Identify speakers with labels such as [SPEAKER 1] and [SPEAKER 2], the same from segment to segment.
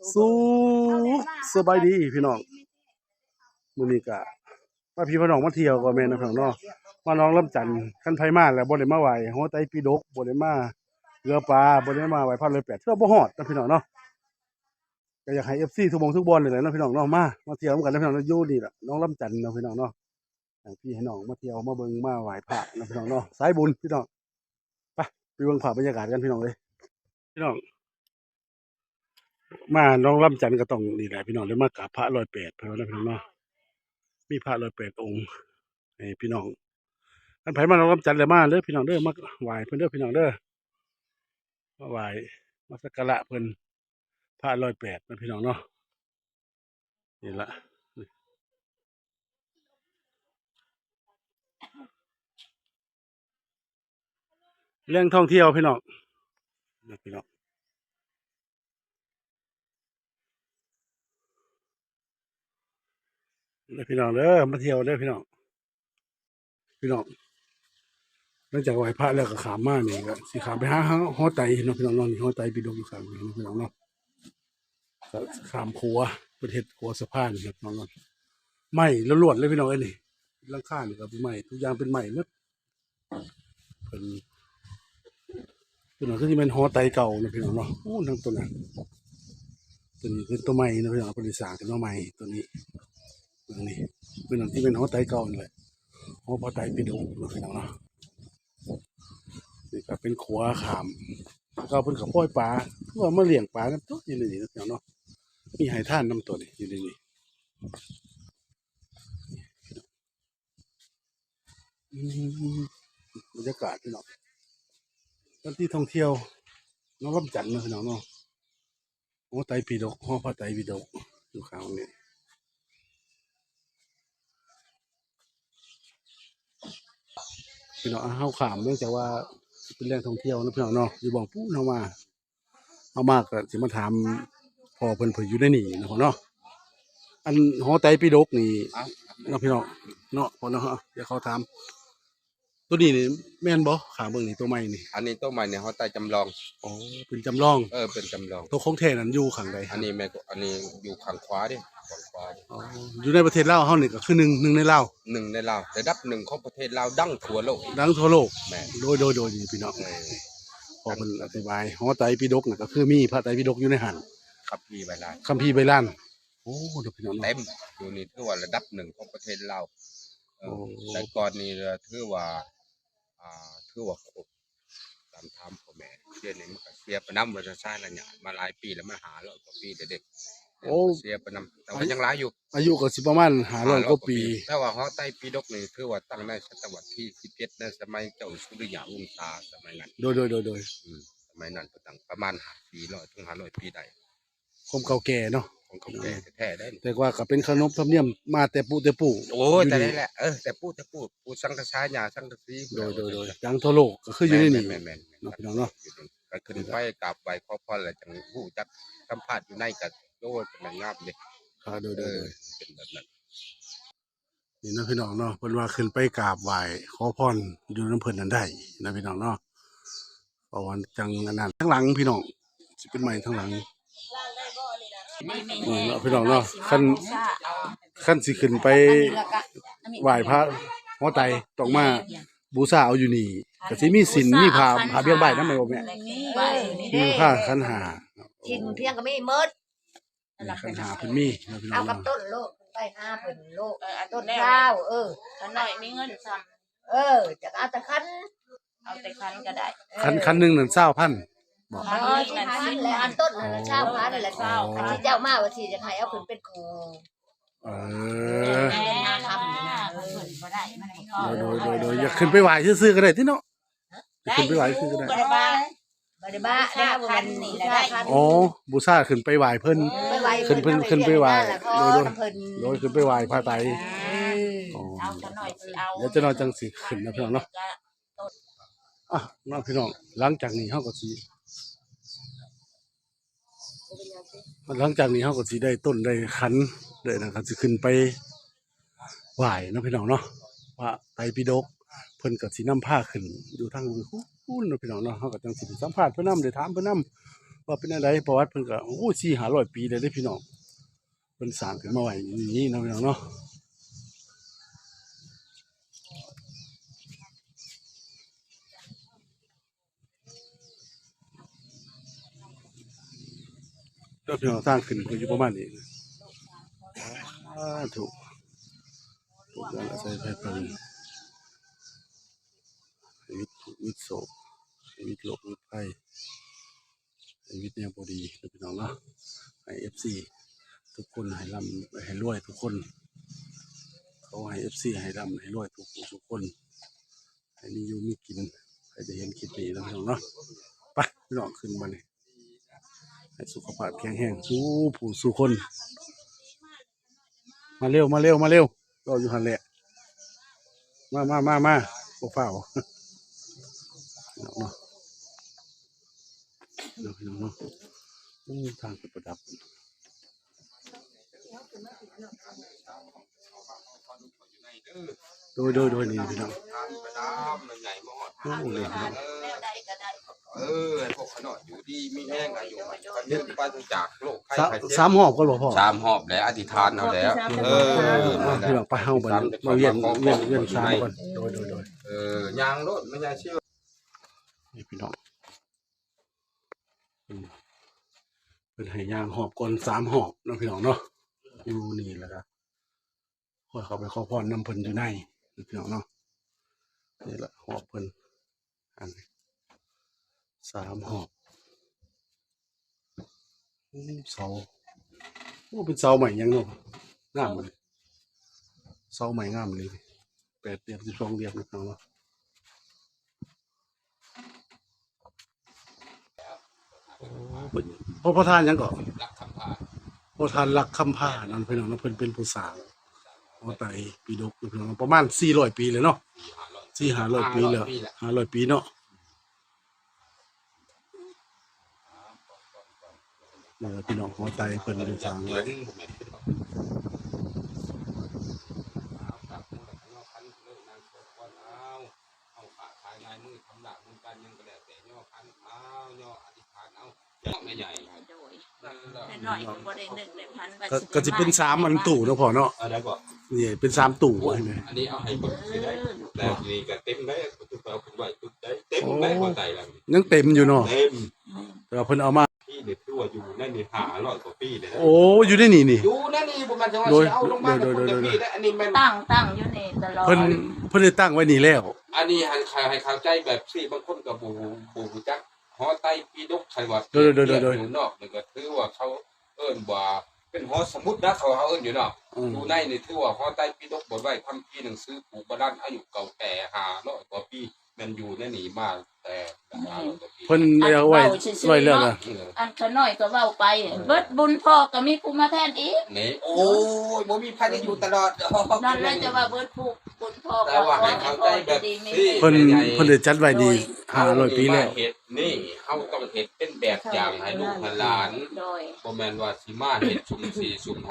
[SPEAKER 1] สู้สบายดีพี่น้องมื้อนี้ก็มาพี่น้องมาเที่ยวก็แม่นนะพี่น้องเนาะมาน้องลำจันทน์คันไผมาแล้วบ่ได้มาไหว้หัวไตปิฎกบ่ได้มาเรือปลาบ่ได้มาไหว้พระเลยแปดเทื่อบ่ฮอดนะพี่น้องเนาะก็อยากให้ FC ทุกหม้องทุกบ่อนนี่แหละเนาะพี่น้องเนาะมาเที่ยวนำกันนะพี่น้องเนาะอยู่นี่ล่ะน้องลำจันทน์เนาะพี่น้องเนาะให้พี่ให้น้องมาเที่ยวมาเบิ่งมาไหว้พระนะพี่น้องเนาะสายบุญพี่น้องไปเบิ่งภาพบรรยากาศกันพี่น้องเอ้ยพี่น้องมาน้องลำจันทน์ก็ต้องนี่แหละพี่น้องได้มากราบพระร้อยแปดเพิ่นว่านะพี่น้องเนาะมีพระร้อยแปดองค์ให้พี่น้อง อันไผมาเรากำจัดเลยมาเด้อพี่น้องเด้อมาไหว้เพิ่นเด้อพี่น้องเด้อมาไหว้มาสักการะเพิ่นพระร้อยแปดนะพี่น้องเนาะนี่ละเรื่องท่องเที่ยวพี่น้องนะพี่น้องเด้อพี่น้องเด้อมาเที่ยวเด้อพี่น้องพี่น้องหลังจากไหว้พระแล้วก็ขามมานี่ก็สิขามไปหาหอไตเนาะพี่น้องเนาะนี่หอไตปิฎกอยู่ข้างนี้เนาะพี่น้องเนาะก็ขามขัวประเทศขัวสะพานนะพี่น้องเนาะไม้ล้วนๆเลยพี่น้องเอ้ยนี่หลังคานี่ก็เป็นไม้ทุกอย่างเป็นไม้หมดเพิ่นพี่น้องคือสิแม่นหอไตเก่านะพี่น้องเนาะโอ้ทั้งตัวนั้นตัวนี้คือตัวใหม่นะพี่น้องเพิ่นสิสร้างขึ้นมาใหม่ตัวนี้ตัวนี้พี่น้องที่เป็นหอไตเก่านี่แหละหอพระไตรปิฎกนะพี่น้องเนาะนี่ก็เป็นขัวขามก็เพิ่นก็ปล่อยปลาเพื่อมาเลี้ยงปลากันตัวอยู่ในนี้นะพี่น้องเนาะมีให้ท่านนำตัวนี้อยู่ในนี้อืมบรรยากาศพี่น้องสถานที่ท่องเที่ยวน้องลำจันทน์นะพี่น้องเนาะหอไตรปิฎกหอพระไตรปิฎกอยู่ข้างนี้พี่น้องเฮาข้ามเนื่องจากว่าเป็นแหล่งท่องเที่ยวนะพี่น้องเนาะอยู่บ่องปูเฮามาก็สิมาถามพ่อเพิ่นอยู่ในนี่นะพ่อเนาะอันหอไตรปิฎกนี่เนาะพี่น้องเนาะพ่อเนาะเดี๋ยวเขาถามตัวนี้นี่แม่นบ่ขาเบิ่งนี่ตัวใหม่นี่
[SPEAKER 2] อันนี้ตัวใหม่เนี่ยเขาใต้จำลอง
[SPEAKER 1] อ๋อเป็นจำลอง
[SPEAKER 2] เป็นจำลอง
[SPEAKER 1] ตัวของแท้นั้นอยู่ข้างใด
[SPEAKER 2] อันนี้แม่ก็อันนี้อยู่ข้างขวาดิข้างขวาดิ
[SPEAKER 1] อ๋ออยู่ในประเทศลาวเฮานี่ก็คือหนึ่งในลาว
[SPEAKER 2] หนึ่งในลาวระดับหนึ่งของประเทศลาวดังทั่วโลก
[SPEAKER 1] ดังทั่วโลก
[SPEAKER 2] แม่
[SPEAKER 1] โดยนี่พี่น้องพอเพิ่นอธิบายหอไตรปิฎกนี่ก็คือมีพระไตรปิฎกอยู่ในหัน
[SPEAKER 2] คัมภีร์ใบลาน
[SPEAKER 1] คัมภีร์ใบลานโอ้เด้อพี่น้อง
[SPEAKER 2] เต็มอยู่นี่ถือว่าระดับหนึ่งของประเทศลาวแต่ก่อนนี้ถือว่าถือว่าครบตามธรรมพ่อแม่เสียนี่มันก็เสียไปนำว่าจะสร้างระยะมาหลายปีแล้วมันหาร้อยกว่าปีเด็ก
[SPEAKER 1] โอ้
[SPEAKER 2] เสียไปนำแต่ว่ายังหลายอยู่
[SPEAKER 1] อายุก็สิประมาณ500กว่าปี
[SPEAKER 2] แต่ว่าหอไตรปิฎกนี่ถือว่าตั้งในศตวรรษที่17ในสมัยเจ้าสุริยะวงศ์สมัยนั้น
[SPEAKER 1] โดย
[SPEAKER 2] สมัยนั้นก็ตั้งประมาณ400ถึง500ปีได้
[SPEAKER 1] ความเก่าแก่เนาะ
[SPEAKER 2] ของเขาแก่แท้ได้
[SPEAKER 1] แต่ว่าก็เป็นขนบธรรมเนียมมาแต่ปู่
[SPEAKER 2] โอ้แต่ได้แหละแต่พูดสังฆทานญาสังฆสี
[SPEAKER 1] โดยดังทั่วโลกก็คืออยู่ในนี่
[SPEAKER 2] แม่น
[SPEAKER 1] เนาะพี่น้องเนาะ
[SPEAKER 2] ก็ขึ้นไปกราบไหว้ขอพรแล้วจังฮู้จักสัมภาษณ์อยู่ในก็โอ้เป็นงามเด้
[SPEAKER 1] โดย
[SPEAKER 2] เป็นแบบนั้น
[SPEAKER 1] นี่นะพี่น้องเนาะเพิ่นว่าขึ้นไปกราบไหว้ขอพรอยู่น้ำเพิ่นนั้นได้นะพี่น้องเนาะเพราะว่าจังอันนั้นทั้งหลังพี่น้องสิเป็นใหม่ทั้งหลังเนาะพี่น้องเนาะขั้นสิขึ้นไปไหว้พระหอไตรต้องมาบูชาเอาอยู่นี่ก็สิมีศีลมีผ้าเบี้ยใบนำแม่บ่แม่มีผ้าขันห้า
[SPEAKER 3] กินเพียงก็ไม่หมด
[SPEAKER 1] ขันห้าเพิ่นมีนะพี่น้อ
[SPEAKER 3] เอา
[SPEAKER 1] ง
[SPEAKER 3] กับ
[SPEAKER 1] เนาะ
[SPEAKER 3] ต้นโลกไปห้าเพิ่นโลกต้นข้าว
[SPEAKER 4] คันหน่อยมีเงินซ้
[SPEAKER 3] จะเอาแต่คัน
[SPEAKER 4] เอาแต่คันก็ได้
[SPEAKER 1] คันหนึงนั่น20,000บ่
[SPEAKER 3] คันแล้วอันต้นนั่น20,000แหละอันที่เจ้ามาว่าสิจะให้เอาขึ้นเป็นครู
[SPEAKER 4] ทำนี่นะบ่ได้มันก็
[SPEAKER 1] โดยอยากขึ้นไปไหว้ซื่อๆก็ได้ติเนาะขึ้นไปไหว้ซื่อก็ได้
[SPEAKER 3] บ่ได้บ้าได้คันนี่แหละได้คัน
[SPEAKER 1] อ๋อบูชาขึ้นไปไหว้เพิ่นขึ้นไปไหว้โดยขึ้นไปไหว้พระไตร
[SPEAKER 4] เอาซะหน่อยสิเอา
[SPEAKER 1] เดี๋ยวจะนอนจังสิขึ้นนะพี่น้องเนาะน้องพี่น้องหลังจากนี้เฮาก็สิได้ต้นได้ขันได้นะครับสิขึ้นไปไหว้เนาะพี่น้องเนาะพระไตรปิฎกเพิ่นก็สินำผ้าขึ้นอยู่ทางนู้นนะพี่น้องเนาะเฮาก็จังสิสัมภาษณ์เพิ่นนำได้ถามเพิ่นนำว่าเป็นอะไรประวัติเพิ่นก็โอ้400-500 ปีเลยเด้อพี่น้องเพิ่นสร้างขึ้นมาไว้อย่างนี้เนาะพี่น้องเนาะเจ้าพี่น้องสร้างขึ้นก็อยู่ประมาณนี้ถูกการอาศัยไฟเพิ่นชีวิตทุกข์วิตโศกชีวิตโลกวิตภัยชีวิตเนี่ยบ่ดีเด้อพี่น้องเนาะให้ FC ทุกคนให้ร่ำให้รวยทุกคนเขาให้ FC ให้ร่ำให้รวยทุกคนให้มีอยู่มีกินให้ได้เห็นคลิปนี้แล้วพี่น้องเนาะไปพี่น้องขึ้นมานี่ให้สุขภาพแข็งแรงสู้ผู้สู้คนมาเร็วรออยู่หั่นแหละมาบ่ฟ้าวพี่น้องเนาะพี่น้องเนาะทางประดับโดยนี่พี่น้องโอ้เลยพี่น้อง
[SPEAKER 4] แล้วใดก็ได้
[SPEAKER 2] พวกขนอดอยู่ดีมีแห้งอายุมันยึดไปจากโลกไข้ไข้เจ็บ
[SPEAKER 1] สามหอบก็บ่พอ
[SPEAKER 2] 3 หอบแล้วอธิษฐานเอาแล้ว
[SPEAKER 1] พี่น้องไปเฮาบัดนี้มาเวียนสามก่อนโดย
[SPEAKER 2] ยางรถไม่ใช่เชื่อ
[SPEAKER 1] นี่พี่น้องเป็นให้ย่างหอบก่อน3 หอบเนาะพี่น้องเนาะอยู่นี่แหละครับค่อยเข้าไปขอพรนำเพิ่นอยู่ในพี่น้องเนาะนี่แหละหอบเพิ่นอันนี้3 หอบเสาเป็นเสาใหม่ยังเนาะงามเลยเสาใหม่งามเลย8 เดือน12 เดือนนะพี่น้องเนาะพระประธานยังก่อน
[SPEAKER 2] รักคำพา
[SPEAKER 1] พระประธานรักคำผ้านั่นพี่น้องเนาะเพิ่นเป็นผู้สร้างเอาไตปีดกพี่น้องประมาณ400 ปีเลยเนาะ400-500 ปีแล้ว500 ปีเนาะพี่น้องหัวไตเพิ่นได้สร้างไว้
[SPEAKER 4] โดยแต่น้อยก็บ่ได้นึกได้พันว่า
[SPEAKER 1] ก็สิเป็น3 อันตู้เนาะพ่อเนาะ
[SPEAKER 2] อะไรบอก
[SPEAKER 1] นี่เป็น3 ตู้ใช่ไหม
[SPEAKER 2] อันนี้เอาให้คนซื้อได้แต่นี่ก็เต็มได้คุณเอาคุณไหวคุณได้เต็มได้คนใจแล้ว
[SPEAKER 1] ยังเต็มอยู่เนาะ
[SPEAKER 2] เต็ม
[SPEAKER 1] แต่ว่าเพิ่นเอามา
[SPEAKER 2] พี่เด็ดตัวอยู่นั่นนี่500 กว่าปีเลยนะ
[SPEAKER 1] โอ้อยู่ในนี่
[SPEAKER 2] อยู่นั่นนี่บ่มันจะว่าสิเอาลงมาคุณจะพี่ได้อันนี้มัน
[SPEAKER 4] ตั้งอยู่นี่ตลอด
[SPEAKER 1] เพิ่นได้ตั้งไว้นี่แล้ว
[SPEAKER 2] อันนี้ให้เข้าใจแบบที่บางคนก็บ่จักหอไตปีดกใครว่าอยู่นอกนี่ก็ถือว่าเขาเอิ้นว่าเป็นหอสมุดนะเขาเอิ้นอยู่เนาะอยู่ในนี่ถือว่าหอไตปีดกบ่ไว้คัมภีร์หนังสือปู่โบราณอายุเก่าแก่500 กว่าปีมันอยู่ในนี่มาแต่500 กว่าปี
[SPEAKER 1] เพิ่นได้เอาไว้แล้วนะ
[SPEAKER 4] อันขน้อยก็เว้าไปเบิดบุญพ่อก็มีผู้มาแทนอีก
[SPEAKER 2] นี่โอ้ยบ่มีพันอยู่ตลอด
[SPEAKER 4] นั่นแหละจะว่าเบิดผู้บุญพ่อ
[SPEAKER 2] แต่ว่าให้เข้าใจแบบที่
[SPEAKER 1] เพิ่นได้จัดไว้ดี500 ปีแล้ว
[SPEAKER 2] เฮ็ดนี่เฮาต้องเฮ็ดเป็นแบบอย่างให้ลูกให้หลาน
[SPEAKER 4] โดย
[SPEAKER 2] บ่แม่นว่าสิมาเฮ็ดสุ่ม4สุ่ม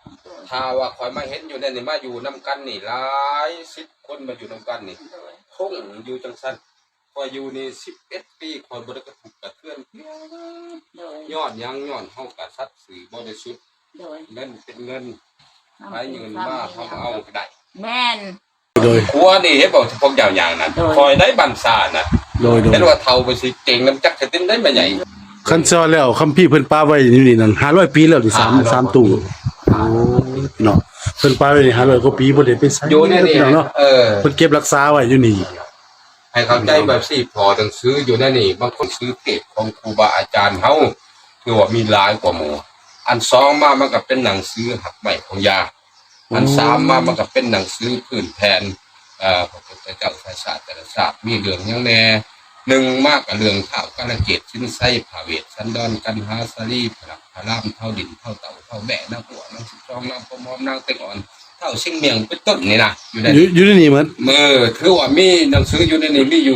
[SPEAKER 2] 5ถ้าว่าข่อยมาเห็นอยู่นั่นนี่มาอยู่นํกันนี่หลาย10 คนมาอยู่นํกันนี่
[SPEAKER 4] โดย
[SPEAKER 2] คงอยู่จังซั่นข่อยอยู่นี่11 ปีข่อยบ่ได้กระทบกระเทือน
[SPEAKER 4] โดย
[SPEAKER 2] ย้อนยังย้อนเฮาก็สัตย์ซื่อบริสุทธิ์
[SPEAKER 4] โดย
[SPEAKER 2] เงินเป็นเงินใครเงินมาเฮาเอาก็ได้
[SPEAKER 4] แม่น
[SPEAKER 1] โดย
[SPEAKER 2] ครัวนี่เฮ็ดบ่พวกยาวๆนั่นคอยได้บันซาน่ะ
[SPEAKER 1] โดย
[SPEAKER 2] เห็นว่าเฒ่าไปสิเก่งน้ำจักจะตินได้มาใหญ่
[SPEAKER 1] คันซอแล้วคัมภีร์เพิ่นปาไว้นี่นั่น500 ปีแล้วนี่3 ตู้โอ้เนาะเพิ่นปาไว้นี่500 กว่าปีบ่ได้ไปใช้
[SPEAKER 2] อยู่ในนี่
[SPEAKER 1] เนาะ เพิ่นเก็บรักษาไว้อยู่นี่
[SPEAKER 2] ให้เข้าใจแบบสิพอต้องซื้ออยู่ในนี่บางคนซื้อเก็บของครูบาอาจารย์เฮาคือว่ามีหลายกว่าหมู่อัน2มามันก็เป็นหนังสือหักใหม่ของยาอัน3มามันก็เป็นหนังสือพื้นแผนพระพุทธเจ้าศาสตร์แต่ละศาสตร์มีเรื่องหยังแน่1มากกับเรื่องข้าวกาลเกตชิ้นไส้ผาเวทสันดอนกันหาสลีพลักพลามเท่าดินเท่าเต่าเท่าแบะนางหัวนาง12นางพมอมนางเต็งอ่อนเท่าชิงเมียงเป็นต้นนี่นะอยู่ใน
[SPEAKER 1] อยู่ในนี่เหมือน
[SPEAKER 2] คือว่ามีหนังสืออยู่ในนี้มีอยู่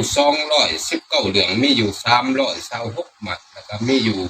[SPEAKER 2] 219เรื่องมีอยู่326หมัดแล้วก็มีอยู่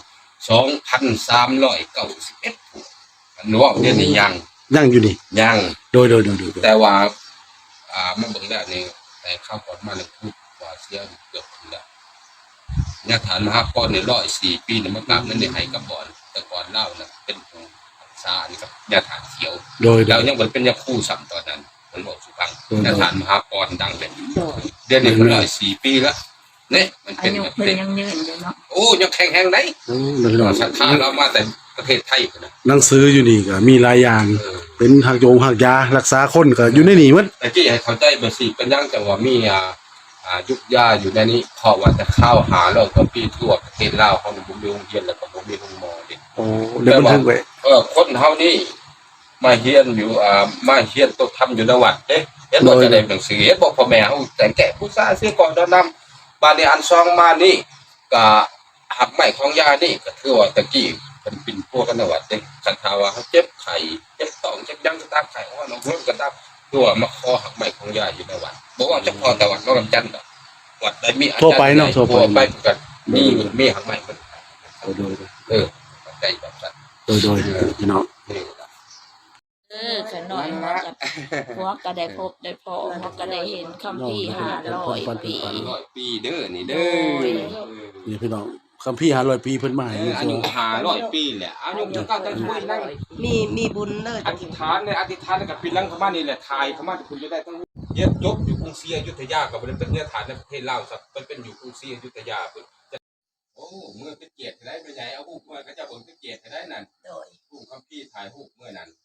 [SPEAKER 2] 2,391 ผู้อันว่าเดี๋ยวนี้
[SPEAKER 1] ยังอยู่นี่
[SPEAKER 2] ยัง
[SPEAKER 1] โดย
[SPEAKER 2] แต่ว่ามันเบิ่งแล้วนี่แต่ข้าวก่อนมาเลยพูดว่าเสียเกือบถึงแล้วเนี่ยฐานมหาปอนเนี่ย104 ปีเนี่ยมากราบนั่นเนี่ยให้กับบ่อนแต่ก่อนเล่าน่ะเป็นผู้รักษานี่ครับยาฐานเขียว
[SPEAKER 1] โดย
[SPEAKER 2] แล้วยังมันเป็นยาคู่ซ้ำตอนนั้นมันบอกสุพังยาฐานมหาปอนดังเลย
[SPEAKER 4] โดย
[SPEAKER 2] เดือนนี้มัน104 ปีแล้วเนี่ยมันเป็
[SPEAKER 4] อาน ยุ
[SPEAKER 2] แบบ
[SPEAKER 4] เพิ่น
[SPEAKER 2] นี้
[SPEAKER 4] ยังยืนอยู่เนาะ
[SPEAKER 2] โอ้ยังแข็งแรงไหน
[SPEAKER 1] พี่น้อง
[SPEAKER 2] ศรัทธาเรามาแต่ประเทศไทยนะ
[SPEAKER 1] หนังสืออยู่นี่ก็มีหลายอย่าง
[SPEAKER 2] เออ
[SPEAKER 1] เป็นหักโยงหักยารักษาคนก็อยู่ในนี่หมด
[SPEAKER 2] แต่ที่ให้เข้าใจเบอร์สี่เป็นยังจังว่ามียุกยาอยู่ในนี้เพราะว่าจะเข้าหาเราก็ปีทั่วประเทศลาวเขาบุญเรียนเรียนแล้วก็บุญเรียนหมอเด็ก
[SPEAKER 1] โอ้เดี๋ยวบันทึกไว้
[SPEAKER 2] คนเฮานี่มาเฮียนอยู่มาเฮียนต้องทำอยู่ในวัดเด้เห็นว่าจะได้หนังสือเห็นบอกพ่อแม่เฮาแต่งแก่ผู้ซ่าเสียก่อนดอนนำบาดนี้อันซองมานี่ก็หักไม้ของยานี่ก็ถือว่าตะกี้เป็นปิ่นพวกกันในวัดเด้คันทาว่าเฮาเจ็บไข้เจ็บท้องเจ็บยังก็ตามไข้ว่าน้องเพิ่นก็ตามตัวมาขอหักไม้ของยาอยู่ในวัดบ่ว่าเฉพาะแต่วัดนอกกำจันทน์ดอกวัดใดมีอาจารย์
[SPEAKER 1] ทั่วไปเนาะทั่วไป
[SPEAKER 2] ไปกันมีหักไม้เพิ่น
[SPEAKER 1] โดย
[SPEAKER 2] ได้แบบนั้น
[SPEAKER 1] โดยพี่น้อง
[SPEAKER 2] นี่
[SPEAKER 4] ขน่อยมาจากพวกก็ได้พบได้พอพวกก็ได้เห็นคำพี่500 ปี
[SPEAKER 2] 100 ปีเด้อนี่เด้อ
[SPEAKER 1] นี่พี่น้องคัมภีร์500 ปีเพิ่นมาให้
[SPEAKER 2] อายุ500 ปีแหละอายุจะก้าวจะช่วยนั่ง
[SPEAKER 5] มีบุญเลย
[SPEAKER 2] อธิษฐานเนี่ยอธิษฐานกับปีลังเข้ามานี่แหละทายเข้ามาที่คุณจะได้ต้องเรียนจบอยู่กรุงศรีอยุธยากับเป็นเนื้อฐานในประเทศลาวครับมันเป็นอยู่กรุงศรีอยุธยาเพิ่นโอ้เมื่อเป็นเกียรติได้ไปใหญ่เอาฮูกเมื่อก็จะเบิ่งเป็นเกียรติได้นั่น
[SPEAKER 4] โดย
[SPEAKER 2] ฮูกคัมภีร์ถ่ายฮูกเมื่อนั้น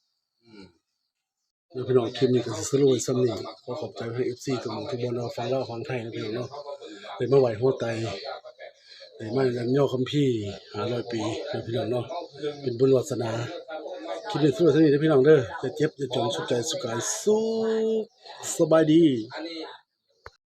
[SPEAKER 1] เดี๋ยวพี่น้องคลิปนี้ก็สิสรุปไว้ซ้ำนี้ขอขอบใจให้ FC ทุกหมู่ทุกบ่เนาะฟังเล่าของไทยนะพี่น้องเนาะได้มาไหว้โฮไตได้มายันย่อคัมภีร์500 ปีนะพี่น้องเนาะเป็นบุญวาสนาคลิปนี้สรุปไว้ซ้ำนี้นะพี่น้องเด้อจะเจ็บจะจนสุขใจสุขกายสุขสบายดี
[SPEAKER 2] อันนี้